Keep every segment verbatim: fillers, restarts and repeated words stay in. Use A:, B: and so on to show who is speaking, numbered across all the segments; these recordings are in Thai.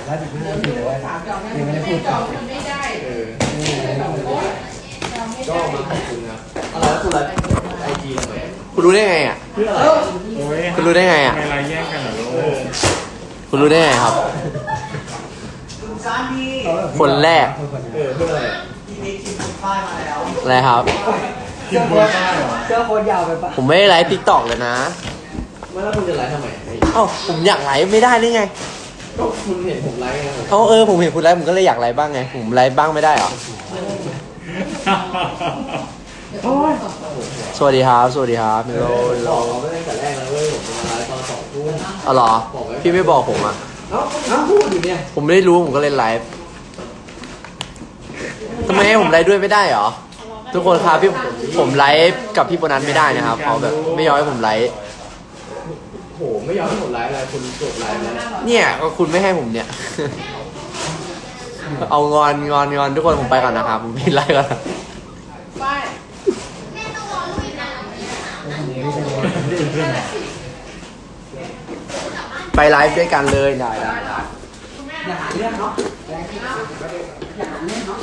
A: แล้วถึงเรื่องคือว่ายังไม่ได้พูดต่อเออก็มาขอบคุณครับอะไรแล้วคุณอะไรไอจีอะไรคุณรู้ได้ไงอ่ะคุณรู้ได้ไงอ่ะไม่ไรแย่งกันเหรอคุณรู้ได้ไงครับคนแรกเออเพื่ออะไรที่มีคิมคุณป้ายมาแล้วอะไรครับเสื้อโค้ทเสื้อโค้ทยาวไปปะผมไม่ได้ไลฟ์ทิกตอกเลยนะไม่แล้วคุณจะไลฟ์ทำไมเอ้าผมอยากไลฟ์ไม่ได้ได้ไงก็คุณเห็นผมไลฟ์ไงเอ้าเออผมเห็นคุณไลฟ์ผมก็เลยอยากไลฟ์บ้างไงผมไลฟ์บ้างไม่ได้เหรอสวัสดีครับสวัสดีครับมิโลบอกเราไม่ได้แต่แรกแล้วเว้ยผมจะมาไลฟ์ตอนสองทุ่มอ๋อเหรอพี่ไม่บอกผมอ่ะเอ้าเอ้าพูดอยู่เนี่ยผมไม่ได้รู้ผมก็เล่นไลฟ์ทำไมให้ผมไลฟ์ด้วยไม่ได้เหรอทุกคนครับพี่ผมไลฟ์กับพี่โบนัสไม่ได้นะครับเขาแบบไม่ยอมให้ผมไลฟ์โหไม่ยอมให้ผมไลฟ์อะไรคุณกดไลฟ์แล้วเนี่ยก็คุณไม่ให้ผมเนี่ยเอางอนงอนงอนทุกคนผมไปก่อนนะครับผมปิดไลฟ์ก่อนไปไลฟ์ด้วยกันเลยได้ได้ได้อย่าหาเรื่องเนาะอย่าหาเรื่องเนาะ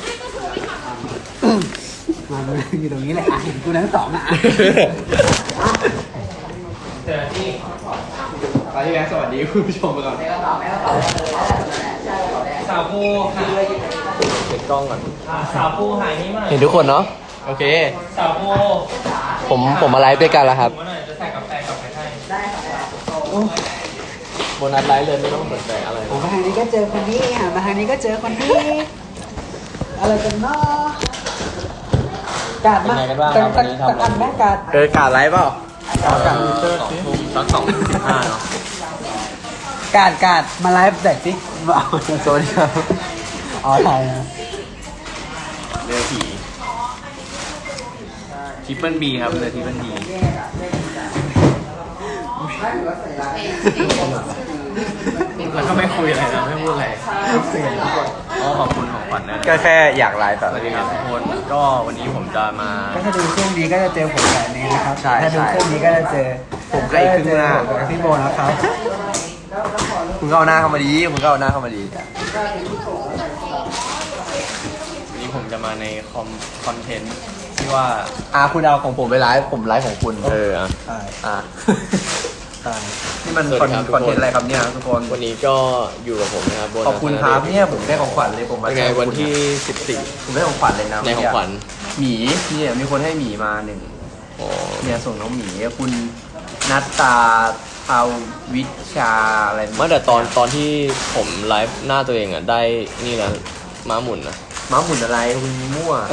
A: มาเลยอยู่ตรงนี้แหละเห็นกูทั้งสองอ่ะเจอที่ไปที่แบงค์สวัสดีคุณผู้ชมไปก่อน
B: สาวปูค่ะ
A: เก็บกล้องก่อน
B: สาวปูหายนี้มาหน่อย
A: เห็นทุกคนเนาะโอเค
B: สาวปู
A: ผมผมมาไลฟ์ด้วยกันแล้วครับ
B: จะใส่กาแฟกับไปให้
A: ได้ค่ะโบนัสไลฟ์เลยไม่ต้องสนใจอะไร
C: ผมมาทางนี้ก็เจอคนนี้หันมาทางนี้ก็เจอคนนี้อะไรกันเนาะกาดมาสักสักสักอันแม่กาด
A: เออกาดไลฟ์เปล่า
C: เอากาด
A: สักสองสิบห้าเนาะ
C: กาดกาดมาไลฟ์แต่สิเอา
A: สวัสดีครับ
C: อ๋อถ่ายนะ
A: เรือผีทริปเปิลบีครับเรือทริปเปิลบีแล้วก็ไม่คุยอะไรนะไม่พูดอะไรก็ขอบคุณของขวัญนะก็แค่อยากไลฟ์แต่สวัสดีครับทุกคนก็วันนี้ผมจะมา
C: ก็ถ้าดูช่วงนี้ก็จะเจอผมแบบนี้นะครับ
A: ใช่
C: ถ้าดูช่วงนี้ก็จะเจอ
A: ผมก็อีกครึ่งหน้า
C: พี่โบนะครับ
A: คุณก็เอาหน้าเข้ามาดีคุณก็เอาหน้าเข้ามาดีวันนี้ผมจะมาในคอมคอนเทนต์ที่ว่าอ่าคุณเอาของผมไปไลฟ์ผมไลฟ์ของคุณเอออ่ะอ่านี่มันคอนเทนต์อะไรครับเนี่ยทุกคนวันนี้ก็อยู่กับผมนะครับขอบคุณครับเนี่ยผมได้ของขวัญเลยผมมาในวันที่สิบสี่ผมได้ของขวัญเลยนะในของขวัญหมีเนี่ยมีคนให้หมีมาหนึ่งเนี่ยส่งน้องหมีคุณนัตตาภาวิชาอะไรเมื่อแต่ตอนตอนที่ผมไลฟ์หน้าตัวเองอ่ะได้นี่นะม้าหมุนนะม้าหมุนอะไรคุณมั่ว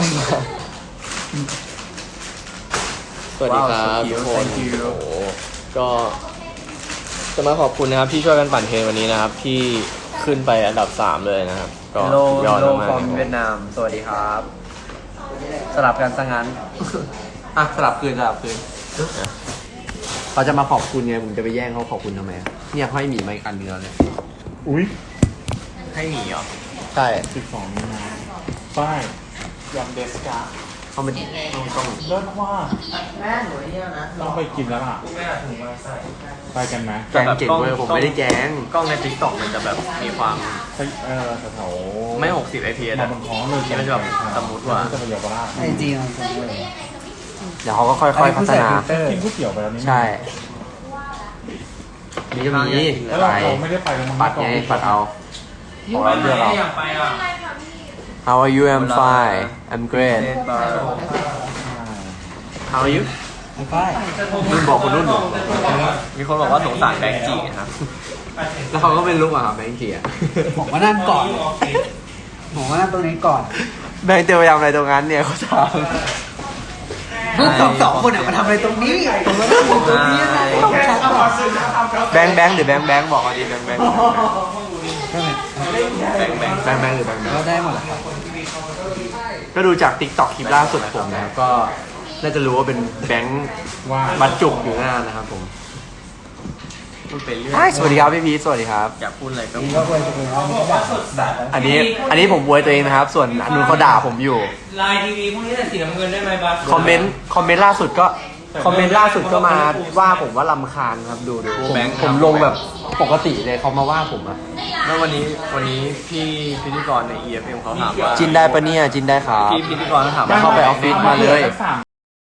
A: สวัสดีครับทุกคนโอ้ก็จะมาขอบคุณนะครับที่ช่วยกันปั่นเทรนวันนี้นะครับที่ขึ้นไปอันดับสามเลยนะครับก็ยอดมากฟอร์มเวียดนามสวัสดีครับสลับกันซะงั้นอ่ะสลับคืนสลับคืนเขาจะมาขอบคุณไงผมจะไปแย่งเขาขอบคุณทำไมเนี่ยเขาให้หมีมาอีกอันเดียวเลยอุ้ยให้หมีเหรอใช่
D: สิบสองมีนาป้ายยำเดสกา
A: เขาไม่ต้องต้อง
D: เลิศว่า
C: แม่หนูเนี่ยนะ
D: ต้องไปกินแล้วล่ะไปกันไหม
A: แกงเก่งเลยผมไม่ได้แกงกล้องในติ๊กต็อกมันจะแบบมีความ
D: เออแถว
A: ไม่หกสิบ ไอ พี เอส
D: มาบนท้องเลย
A: นี่มันจะแบบสมมติว่า
D: จะไปเยาวราช
C: ไอจีมัน
A: เดี๋ยวเขาก็ค่อยๆพัฒนา
D: กินก๋วยเตี๋ยวไปแล้วนี่
A: ใช่นี่จะมี
D: อะไรไม่ได้ไป
A: ปัดไงปัดเอา
B: ของเราเดือดเราอยากไปอ่ะ
A: How are you? I'm fine. I'm great. How are you?
C: I'm fine.
A: นุ่นบอกคุณนุ่นบอกมีคนบอกว่าสงสารแบงค์จีครับแล้วเขาก็เป็นลูกอ่ะครับแบงค์จีอ่ะ
C: ผมว่านั่นก่อนผมว่านั่นตรงนี้ก่อน
A: แบงค์จะไปทำอะไรตรงนั้นเนี่ยเขาถาม
C: พวกสองสองคนอ่ะมาทำอะไรตรงนี้ผมว่านั่งตรงนี้นะต้องชัดก่อน
A: แบงค์แบงค์หรือแบงค์แบงค์บอกเอาดีแบงค์แบงค์แบงค์แบงค์แบงค์แบงค์หรือแบงค์แบงค์
C: ก็ได้หมดแหละครับ
A: ก็ดูจาก ติ๊กต็อก คลิปล่าสุดผมนะครับก็น่าจะรู้ว่าเป็นแบงค์บรรจุอยู่หน้านะครับผมสวัสดีครับพี่พีทสวัสดีครับอยากพูดอะไรก็พูดอันนี้อันนี้ผมบวยตัวเองนะครับส่วนอันนู้นเขาด่าผมอยู่
B: ไลน์ทีวีพวกนี้แต่สีน้ำเงินได้ไหมบัส
A: คอมเมนต์คอมเมนต์ล่าสุดก็คอมเมนต์ล่าสุดก็มาว่าผมว่าลำคาญครับดูดูผมผมลงแบบปกติเลยเขามาว่าผมอะ
E: แล้ววันนี้วันนี้พี่พิธีกรใน อี เอฟ เอ็ม เขาถามว่า
A: จินได้ปะเนี่ยจินได้ครับ
E: พี่พิธีกรเขาถาม
A: เข้าไปออฟฟิศมาเลย
D: สาม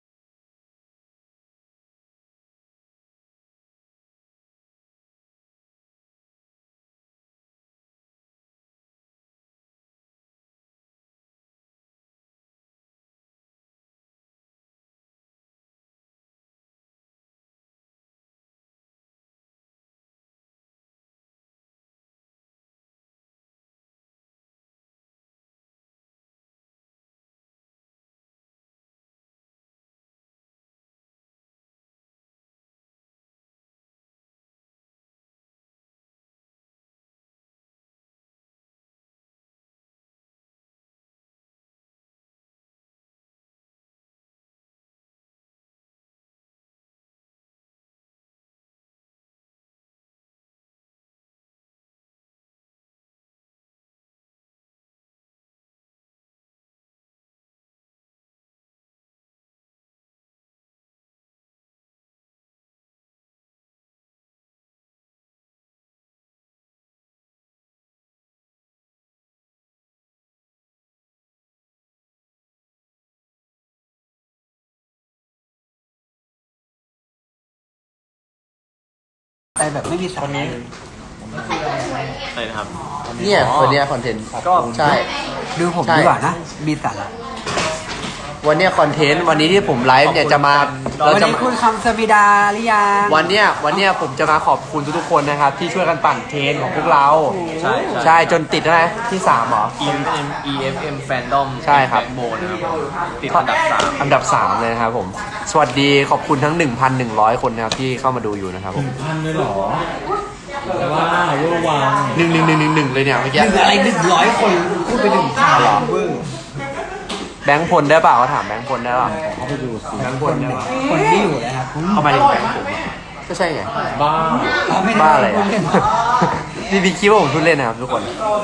C: แต่แบบไม่มีสาระเลย
E: อะไรนะครับ
A: เนี่ยคนเนี้ยคอนเทนต์
E: ก็
A: ใช่
C: ดูผม
A: ใช่
C: ดีกว่านะ มีสาระ
A: วันเนี้ยคอนเทนต์วันนี้ที่ผมไลฟ์เนี่ยจะมาเรา
C: วัน
A: จะ
C: นี้คุณคำสมิดาหรือยัง
A: วันเนี้ยวันเนี้ยผมจะมาขอบคุณทุกๆคนนะครับ ที่ช่วยกันปั่นเทรนของพวกเรา
E: ใช่
A: ใช่จนติดแล้วนะที่สามเหรอ
E: อี เอฟ เอ็ม อี เอฟ เอ็ม Fandom
A: ใช่ครับ
E: แบ็คโบนนะครับติดอันดับสาม
A: อันดับสามเลยนะครับผม สวัสดีขอบคุณทั้ง หนึ่งพันหนึ่งร้อย คนนะครับที่เข้ามาดูอยู่นะครับผม
D: พันเลยเหรอว้าวเวอร์วัง
A: หนึ่งหนึ่งหนึ่งหนึ่งหนึ่งเลยเนี่ยเมื่อ
C: ห
A: กี้
C: นึ่งอะไรหนึ่งร้อยคนพูดไปหนึ่งพันเหรอเวอร์
A: แบงค์พลได้เปล่าเขาถามแบงค์พลได้เปล่า
D: เขาไปดูสิ
A: แบงค์พลได้เปล่า
C: คนที่อยู่นะครับ
A: เข้ามาถึงแบงค์ผมอะก็ใช่ไง
D: บ้า
C: เราไม่ได้
A: บ้าอะไร
C: พู
A: อะ
C: ดเล่น
A: พี่พี่คิดว่าผมพูดเล่นนะครับทุกคน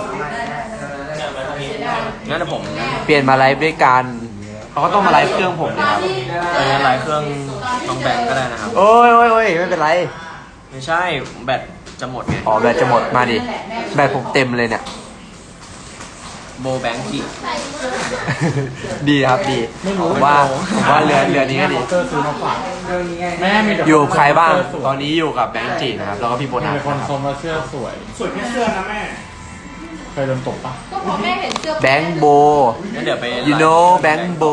E: งั้นเดี๋ยวผม
A: เปลี่ยนมาไลฟ์ด้วยกันเขาก็ต้องมาไลฟ์เครื่องผมนะครับ
E: เออไลน์เครื่องน้องแบงค์ก็ได้นะครับ
A: โอ้ยโอ้ยโอ้ยไม่เป็นไร
E: ไม่ใช่แบตจะหมดไง
A: อ๋อแบตจะหมดมาดิแบตผมเต็มเลยเนี่ย
E: โบแบงค์จี
A: ดีครับดีผมว่าผมว่าเรือเรือนี้ก็ดี
D: เตอร์ซื้อมาฝากแม่มีแต่
A: อยู่กับใครบ้าง ตอนนี้อยู่กับแบงค์จีนะครับ แล้วก็พี่โบนัส
D: มีคน
A: นะค
D: ช
A: รับ
D: มว่าเสื้อสวย สวยแค่เสื้อนะแม่ เคยโดนตกปะ
F: ก็พอแม่เห็นเสื้อ
A: แบงค์โบ
E: งั้นเดี๋ยวไป
A: you know แบงค์โบ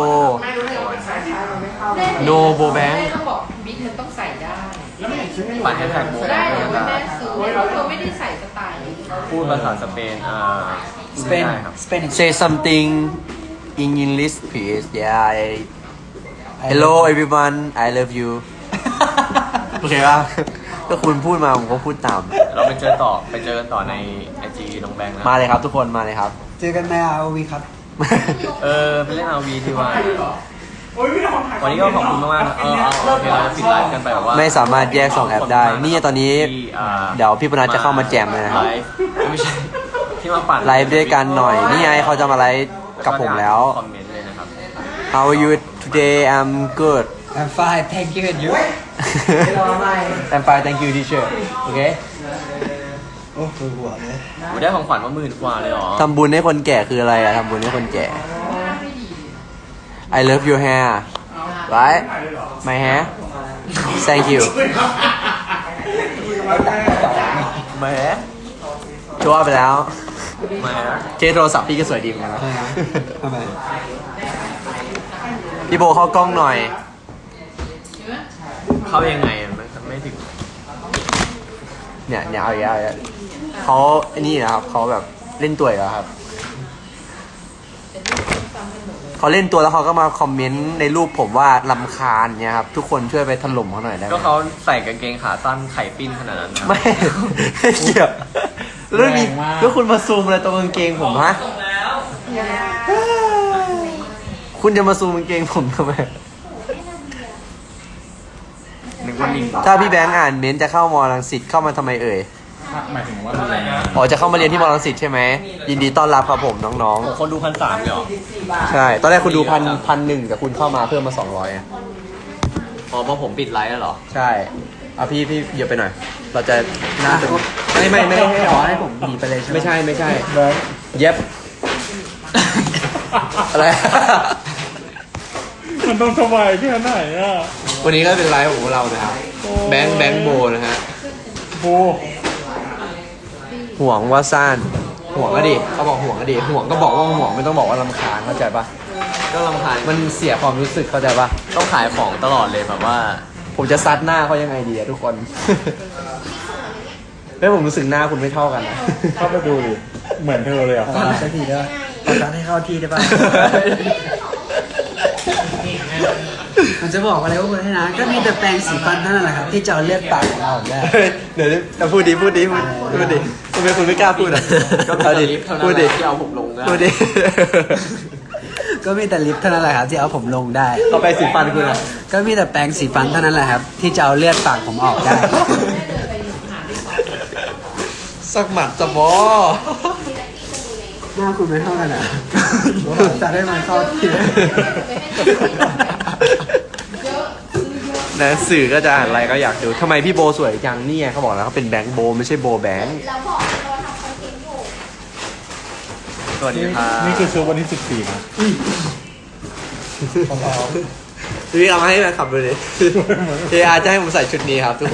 A: no โบแบงค์
F: แม่ก็บอกบิ๊กมันต้องใส่ได้
E: ปั่นแฮชแท็กโบแบ
F: ได้
E: งค์
F: เดี๋ยว
E: นะค
F: แม่
E: รับ
F: ซื้อเพราะเธอไม่ได้ใส่สไตล์นี้
E: พูดภาษาสเปนอ่า
C: สเปน
E: ได้ครับ
C: สเปน
A: say something in English please yeah I- hello everyone I love you โอเคป่ะก็คุณพูดมาผมก็พูดตาม
E: เราไปเจอต่อไปเจอกันต่อในไอจีน้องแบงค์นะ
A: มาเลยครับทุกคนมาเลยครับ
C: เจอกันในอาร์วีครับ
E: เออไปเล่นอาวีดีกว่าวันนี้ก็ขอบคุณมากๆนะเออเอาโอเคเราจะปิดไลฟ์กันไปแบบว่า
A: ไม่สามารถแยกสองแอปได้นี่ตอนนี้
E: ที่อ่า
A: เดี๋ยวพี่ปนัดจะเข้ามาแจมเลยนะครับ
E: ไลฟ์ไม่ใช่ที่มาปั่น
A: ไลฟ์ด้วยกันหน่อย นี่ไงเขาจะมาไลฟ์กับผมแล้ว
E: คอมเมนต์เลยนะครับ
A: How are you today I'm good
C: I'm fine thank you and you
A: I'm fine thank you teacher โอเค
C: โอ้ปวดหัวเลย
E: โอ้ได้ของขวัญมาหมื่นกว่าเลยเหรอ
A: ทำบุญให้คนแก่คืออะไรอะทำบุญให้คนแก่ I love your hair right my hair thank you my hair ชัวร์ไปแล้ว
E: มาฮะ
A: เคสโทรศัพท์พี่ก็สวยดีเหมือนกันนะ
C: ทำไม
A: พี่โบเข้ากล้องหน่อย
E: เข้ายังไงอะมันไม่ถึง
A: เนี่ยเนี่ยเอาอีกแล้วเอาอีกแล้วเขาไอ้นี่นะครับเขาแบบเล่นตัวอีกแล้วครับเขาเล่นตัวแล้วเขาก็มาคอมเมนต์ในรูปผมว่าลำคาญเนี่ยครับทุกคนช่วยไปถล่มเขาหน่อยได้ไหม
E: ก็เขาใส่กางเกงขาสั้นไข่ปิ้นขนาดนั้นนะ
A: ไม่ ไม่เกี่ยวแล้วมีแล้วคุณมาซูมอะไรตรงกางเกงผมฮะคุณจะมาซูมกางเกงผมทำไม
E: นึกว่าลิง
A: ถ้าพี่แบงค์อ่านเม้นต์จะเข้ามอลังสิตเข้ามาทำไมเอ่ย
D: หมายถึงว่าอะไรนะ
A: อ๋อจะเข้ามาเรียนที่มอลังสิตใช่ไหมยินดีต้อนรับครับผมน้อง
E: โอ้คนดูพันสามเลยเหรอ
A: ๆใช่ตอนแรกคุณดูพันพันหนึ่งแต่คุณเข้ามาเพิ่มมาสองร้อย
E: อ๋อเพราะผมปิดไลฟ์แล้วเหรอ
A: ใช่เอาพี่พี่เหยียบไปหน่อย เราจะน่าจะไม่ไม่ไม่ให้
C: ข
A: ข
C: อ
A: อ
C: ให้
A: ให้
C: ผ
A: ผม ม
C: หนีไปเลยใช่ไหม
A: ไม่ใช่ไม่ใช่
D: แบงค์
A: เย็บ อะไร
D: มันต้องสบายแค่ไหนอ่ะ
A: วันนี้ก็เป็นไลฟ์ของเรานะครับ แบงค์แบงค์โบนะฮะ
D: โบ
A: ห่วงว่าซ่านห่วงก็ดิเขาบอกห่วงก็ดิห่วงก็บอกว่าห่วงไม่ต้องบอกว่าลำคาญเข้าใจปะ
E: ก็ลำคาญ
A: มันเสียความรู้สึกเข้าใจปะ
E: ต้องขายของตลอดเลยแบบว่า
A: ผมจะซัดหน้าเขายังไงดีอะทุกคน แล้วผมรู้สึกหน้าคุณไม่เท่ากันนะ
D: เข้าไปดูดิเหมือนเธอเลยอ่ะ
C: ขอสักทีได้ปะขอสักให้เข้าที่ได้ปะมันจะบอกอะไรว่าคุณให้นะ ก็มีแต่แปรงสีฟันเท่านั้นแหละครับ ที่จะเอาเลือดปากของเราออกได้
A: เดี๋ยวจะพูดดีพูดดีพูดพูดดิทำไมคุณไม่กล้าพูดอ่ะ
E: ก็มี
A: เอา
E: แต่
A: ดิ
E: ลิฟต์เท่านั้
A: พู
E: น
A: ด
E: แห
A: ดิ
E: ละที่เอาผมลงได้
A: พูดดิ
C: ก็มีแต่ลิปเท่านั้นแหละครับที่เอาผมลงได้
A: เอาไปสีฟันคุณอ่ะ
C: ก็มีแต่แปรงสีฟันเท่านั้นแหละครับ ที่จะเอาเลือดปากผมออกได้
A: สักหมัดจะบอ
C: หน้าคุณไม่เท่ากันอ่ะจะได้มาเข้าที่
A: นะสื่อก็จะอ่านอะไรก็อยากดูทำไมพี่โบสวยจังเนี่ยเขาบอกแล้วเขาเป็นแบงค์โบไม่ใช่โบแบงค์
F: เราบอกเราทำคอนเทนต์อยู่
A: สวัสดีครับ
D: นี่คือชุดวันที่สิบสี่นะ
A: พี่เอามาให้แฟนขับดูดิเออาจะให้ผมใส่ชุดนี้ครับทุกคน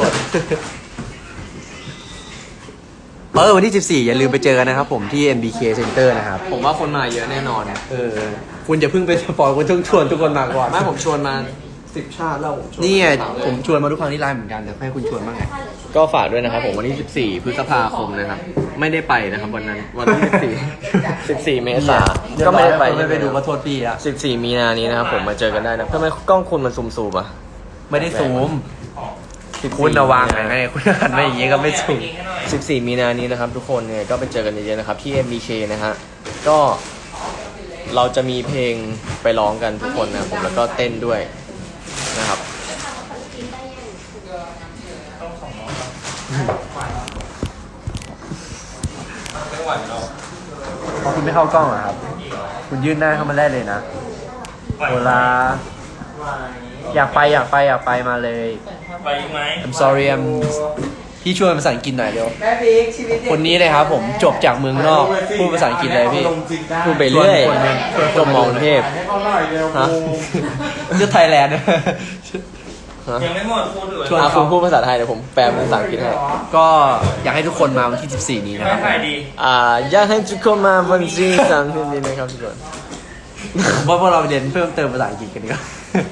A: เออวันที่สิบสี่อย่าลืมไปเจอกันนะครับผมที่ เอ็ม บี เค Center นะครับ
E: ผมว่าคนมาเยอะแน่นอน
A: เออคุณจะเพิ่งไปสปอยคุณต้องชวนทุกคนมาก่อน
E: ไม่ผมชวนมาสิบชาติแล้วผมชวน
A: นี่ไงผมชวนมาทุกครั้งที่ไลน์เหมือนกันแต่ให้คุณชวนบ้างไง
E: ก็ฝากด้วยนะครับผมวันที่สิบสี่พฤษภาคมนะครับ ไม่ได้ไปนะครับวันนั้นวันที่สิบสี่ สิบสี่เมษายนก็ไม่ได้ไป
A: ไม่ไปดูก็โทษพี่อะ
E: สิบสี่มีนานี้นะครับผมมาเจอกันได้นะทำไมกล้องคุณมันซูมซูมๆอ่ะ
A: ไม่ได้ซูมคุณระวังไงคุณหันมาอย่างงี้ก็ไม่ซูม
E: สิบสี่มีนานี้นะครับทุกคนเนี่ยก็ไปเจอกันเยอะๆนะครับที่ เอ็ม บี เค นะฮะก็เราจะมีเพลงไปร้องกันทุกคนนะครับผมแล้วก็เต้นด้วยนะครับ
A: พอคุณไม่เข้ากล้องอะครับ คุณยื่นหน้าเข้ามาได้เลยนะโอลาอยากไปอยากไปอยากไปมาเลย
B: ไปไหม
A: I'm sorry I'm พี่ช่วยภาษาอังกฤษหน่อยเร็ว
C: แม่บิ๊กชีวิต
A: คนนี้เลยครับผมจบจากเมืองนอกพูดภาษาอังกฤษเลยพี่
E: พูดไปเรื่อยจบมองเทพ
D: ให้เขาหน่อยเร็ว
E: ฮะ
A: เลือกไทยแลนด์
E: ฮะ
B: ยังไม่หมดพูดเลย
A: ชวน
E: อ่ะคุณพูดภาษาไทยเดี๋ยวผมแปลเป็นภาษาอังกฤษให้
A: ก็อยากให้ทุกคนมาวันที่สิบสี่นี้นะค
B: ไม่
A: รับ
B: ถ่ายดี
E: อ่าอยากให้ทุกคนมาวันที่สามสิบนี้นะครับทุกคน
A: ผมว่าพวกเราไปเรียนเพิ่มเติมภาษาอังกฤษกันดีกว่า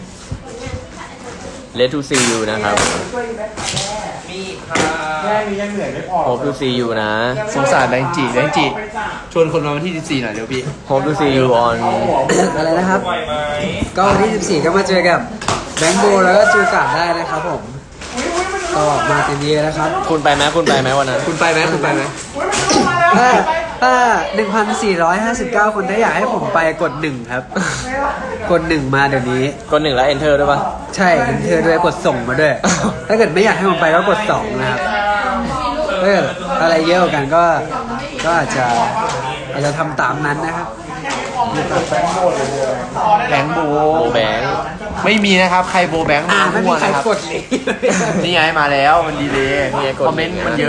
E: Let to see you นะครับ
B: มีค่ะ
D: แค่นี้ยังเหนื่อยไม่พอ
E: Hope to see you นะ
A: สงสารแบงค์จีแบงค์จีชวนคนมาวันที่สิบสี่หน่อยเร็วพี่
E: Hope to see you on
C: อะไรนะครับ
B: ไหวไหม
C: ก็วันที่สิบสี่ก็มาเจอกับแบงค์โบแล้วก็จูการ์ดได้นะครับผม ก็มาเต็มที่นะครับ
E: คุณไปไหมคุณไปไหมวันนั้น
A: คุณไปไหมคุณไปไหม
C: ถ้าถ้า หนึ่งพันสี่ร้อยห้าสิบเก้า คนถ้าอยากให้ผมไปกดหนึ่งครับ กดหนึ่งมาเดี๋ยวนี้
E: กดหนึ่งแล้ว enter ด้วยปะ
C: ใช่เห็นเธอด้วยกดส่งมาด้วย ถ้าเกิดไม่อยากให้ผมไปก็กดสองนะครับถ้าเกิดอะไรเยอะกว่ากันก็ก็อาจจะอาจจะทำตามนั้นนะครับ
A: แบงค์โบ
E: โบแบงค์
A: ไม่มีนะครับ ใครโบแบงค์
C: อ่า
A: มา
C: ไม่
A: มั่
C: มี
A: ว
C: ใคร
A: นะครับ
C: กดเลย
A: นี่ไงมาแล้วมันดีเลยคอมเมนต์มันเยอะ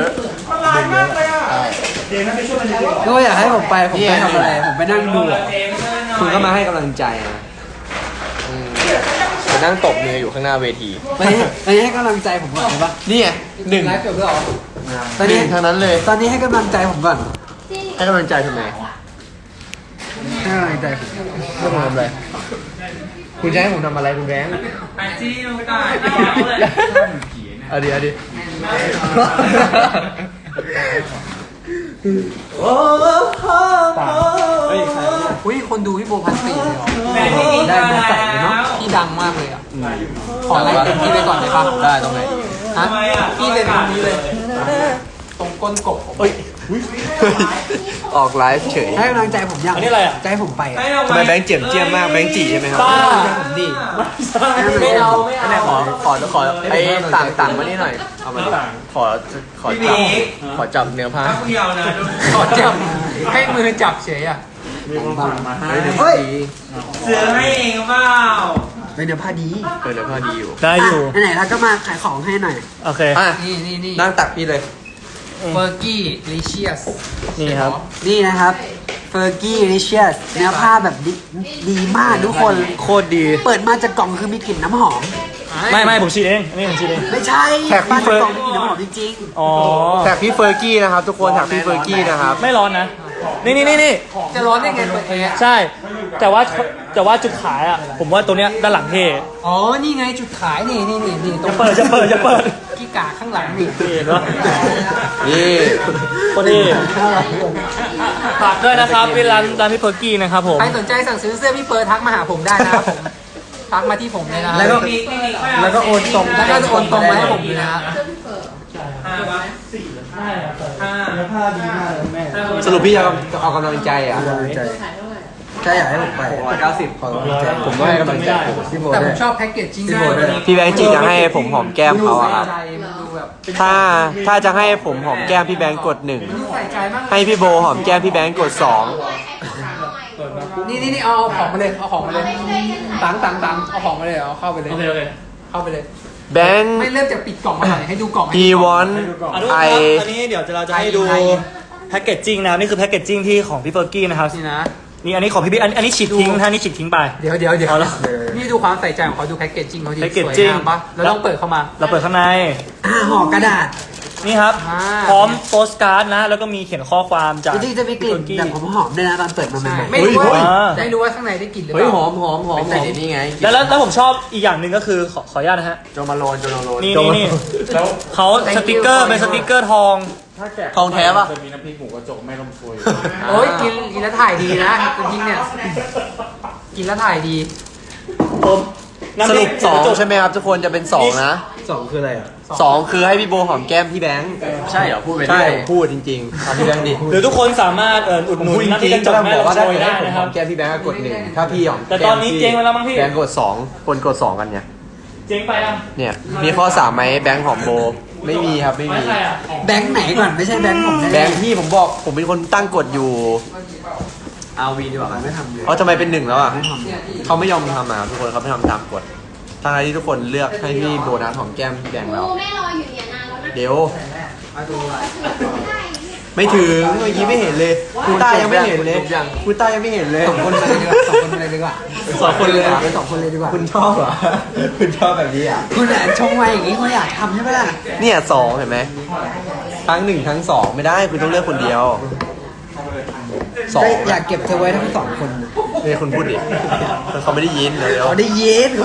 C: ก็อยากให้ผมไปผมไปทำอะไร ผมไปนั่งดูอะ
A: คุณก็มาให้กำลังใจนะ
E: อืมไปนั่งตบมืออยู่ข้างหน้าเวที
C: ไปไปให้กำลังใจผมก่อนได้ปะ
A: นี่ไงหนึ่ง
C: ไลฟ์จบแล้วเหรอต
A: ห
C: อนนี้
A: นึ่งทางนั้นเลย
C: ตอนนี้ให้กำลังใจผมก่อน
A: ให้กำลังใจทำไม
C: ให้กำลังใจผม
A: ให้ผมทำอะไรคุณจะให้ผมทำอะไรคุณแบงค์
B: ไอจีลงได้เอาเลย
A: เอาดิเอาดิ
E: เฮ้ยใครเนี่ย
C: อุ้ยคนดูพี่โบพันสี่เลยเหรอ
B: แม่ที่กิน
C: ได้
B: มา
C: โบใส่เลย
B: แล้
C: เนาะ
B: ว
C: พี่ดังมากเลยอ่ะขอไลฟ์เต็มที่ไปก่อนได้ปะ
E: ได้ตรงไหน
C: ฮะ
B: ทำไมอ่ะ
C: พี่เลยตรงนี้เลย ตรงก้นกบ
A: เฮ้ยออกไลฟ์เฉย
C: ให้กำลังใจผมยัง
B: อันนี้อะไรอ่ะ
C: ใจผมไปอ่ะ
B: ให้เอา
A: ทำไมแบงค์เจียมเจียมมากแบงค์จีใช่ไหมครับ
B: บ้า
C: ผมดี
B: ไม่เอาไม่
E: อันไหน
B: เอา
E: ขอขอขอไอ้ต่างต่างมานี่หน่อย เอามาดิขอขอจับขอจับเนื้อผ้า
B: ถ้าคุณยาวนะดู
C: ขอจับให้มือจับเฉยอ่ะ
D: มีคนฝากมาให้
C: เฮ้ย
B: เสือให้เองเปล่า
C: เป็นเนื้อผ้าดี
A: เออเดี๋ยวพอดีอยู่
G: ได้อยู่
C: ะไหนๆเราก็มาขายของให้หน่อย
G: โอเค
A: อ่ะ
B: นี่นี่นี่
A: นั่งตักพี่เลย
B: เฟอร์กี้ลิเชียส
G: นี่ครับ
C: นี่นะครับเฟอร์กี้ริเชียสเนื้อผ้าแบบดีดีมากทุกคน
A: โคตรดี
C: เปิดมาจากกล่องคือมีกลิ่นน้ำหอม
G: ไม่ไม่ผมฉีดเองอันนี้ผมฉีดเอง
C: ไม่ใช่
A: แขกพี่
C: มา
A: เฟิ
C: จาก
A: ร์น
C: กล่องมีกลิ่นน้ำหอมจริง
G: อ๋อ
A: แท็กพี่เฟอร์กี้นะครับ ทุกคนแท็กพี่เฟอร์กี้นะครับ
G: ไม่ร้อนนะ นี่นี่นี่นี่
B: จะร้อนได้ไงเปิดแอร์
G: ใช่ แต่ว่าแต่ว่าจุดขายอ่ะ ผมว่าตัวเนี้ยด้านหลังเท่
B: อ๋อ นี่ไงจุดขายนี่นี่นี่นี่ตร
G: จะ
B: ง
G: เปิดจะเปิดจะเปิด
B: กี้กาข้างหลังนี่
G: เห็นปะ
A: นี่
G: พอดีฝากด้วยนะครับเป็นร้านร้านพี่เพิร์กกี้นะครับผม
B: ใครสนใจสั่งซื้อเสื้อพี่เฟิร์สทักมาหาผมได้นะครับผมทักมาที่ผมเลยนะ
C: แล้วก็ แล้วก็โอนตรง
B: แล้วก็จะโอนตรงมาให้ผมเลยนะ
A: สรุปพี่จะเอากำลังใจอ่ะ
C: ใช่อยากให้ผมไปเก้าสิบขอกำลังใจ
A: ผมก็ให้กำลังใจ
C: พี่โบ
B: แต่ผ
C: ด้ว
B: ม
C: ย
B: ชอบแพ็กเกจจิ้ง
C: พี่โบด้วย
A: พี่แบงค์จีจะให้ผมหอมแก้มเขาอะครับ
B: ใจมันดูแบบ
A: ถ้าถ้าจะให้ผมหอมแก้มพี่แบงค์กดหนึ่ง
B: มันดูใส่ใจมาก
A: ให้พี่โบหอมแก้มพี่แบงค์กดสอง
B: นี่นี่นี่เอาของมาเลยเอาของมาเลยตังตังตังเอาของมาเลยเอาเข้าไปเลย
G: โอเคโอเค
B: เข้าไปเลย
A: แบงค์
B: ไม่เริ่มจากปิดกล่องมาหน่อยให้ดูกล่องให้
A: he want
G: อ่ะทุกคน
A: I
G: ครับอันนี้เดี๋ยวเราจะให้ดู
B: ไอ
G: แพ็กเกจจิ้งนะครับนี่คือแพ็กเกจจิ้งที่ของพี่เฟิร์กกี้นะครับ
B: นี่นะ
G: นี่อันนี้ของพี่บิ๊กอันอันนี้ฉีดทิ้งนะอันนี้ฉีดทิ้งไป
B: เดี๋ยวเดี๋ยวเดี๋ยว
G: เอาละ
B: นี่ดูความใส่ใจของเขาดูแพ็กเกจจิ้งเขาดีสวย
G: packaging
B: งามปะแล้วต้องเปิดเข้ามา
G: เราเปิดข้างใน
C: อ่าห่อกระดาษ
G: นี่ครับ
B: อ่า
G: พร้อมโปสการ์ดนะ แล้วก็มีเขียนข้อความจาก
C: จริงๆจะมีกลิ่น
G: พี่
C: แบบ
G: เฟิร์
C: หอมๆด้วยนะตอนเปิดมาให
B: ใช่
C: ม่ๆ
B: ไม่รู้ว่า
G: เฮ้ย
B: ได้รู้ว่าข้างในได้กลิ่นหรือเป
A: เฮ้ย
B: ล่า
A: หอมหอมหอมหอมนี่ไง
G: แล้วแล้วแล้วผมชอบอีกอย่างหนึ่งก็คือขอขออนุญาตนะฮะ
A: โจมาโลนโจมาโลน
G: นี่นี่นี่เขาสติกเกอร์เป็นสติกเกอร์ทอง
D: ถ้าแกะ
A: ทองแท้ปะ
D: จะมีน้ำพริกหมูกระจกแม่ลมซุย
B: โอ้ยกินกินแล้วถ่ายดีนะจริงๆเนี่ยกินแล้วถ่ายดี
G: ผมน้ำ
A: ส
G: พ
A: รุ
G: ริ
A: ป
G: ก
A: สอง
G: กระจก
A: ใช่ไหมครับทุกคนจะเป็นสองนะ
C: สองคืออะไรอ่ะ
A: สองคือให้พี่โบหอมแก้มพี่แบงค์ใช่เหรอพูดไปใช่พูดจริงๆเอาพี่แบงค์ดิ
G: หรือทุกคนสามารถเอ่ออุดหนุน
A: พูดจ
G: น้ำพริ
A: ริ
G: ก
A: ง
G: กระ
A: ๆ
G: จ
A: ก็
G: ก
A: ต้อง
G: แม่
A: บอกว่า
G: ลำโช
A: ถ้าย
G: ได้
A: ให้ผม
G: นะค
A: ห
G: รั
A: อบ มแก้มพี่แบงค์ก็กดหนึ่งถ้าพี่หอม
G: แต่ตอนนี้
A: ก้มพี่
G: เจ๊งไปแล้วมั้งพี่
A: แบงค์กดสองคนกดสองกันเนี่ย
G: เจ๊งไปอ่ะ
A: เนี่ยมีข้อสามไหมแบงค์หอมโบไม่มีครับไม่
G: ไม่
A: มี
G: ใครอ่ะ
C: แบงค์ไหนก่อนไม่ใช่แบงค์ผม
A: แบงค์ที่ผมบอกผมเป็นคนตั้งกฎอยู่
C: เอาวีดีกว่าไม่ทำเลย
A: เอ๋อทำไมเป็นหนึ่งแล้วอ่ะเขาไม่ยอมทำอ่ะทุกคนเขาไม่ทำตามกฎทางที่ทุกคนเลือกให้พี่โบนัสหอมแก้มพี่แบงค์แล้ว
F: แม่รออยู่เนี่ยนานแล้วนะ
A: เดี๋ยวไม่ถึงเมื่อกี้ไม่เห็นเลยคุณต้ายังไม่เห็นเลยคุณต้ายังไม่เห็นเลย
C: สองคนเลยดีกว่าสองคนเลยดีกว่า
A: สองคนเลยเหรอ
C: สองคนเลยดีกว่า
A: คุณชอบเหรอคุณชอบแบบนี้อ่ะ
C: คุณอ่ะชงมาอย่างนี้คุณอยากทำใช่ไหมล่ะ
A: เนี่ยสองเห็นไหมทั้งหนึ่งทั้งสองไม่ได้คุณต้องเลือกคนเดียวสอง
C: ก็อยากเก็บเธอไว้ทั้งสองคนนะ
A: นี่คุณพูดดิเขาไม่ได้ยินเดี๋ยว
C: เขาได้ยิน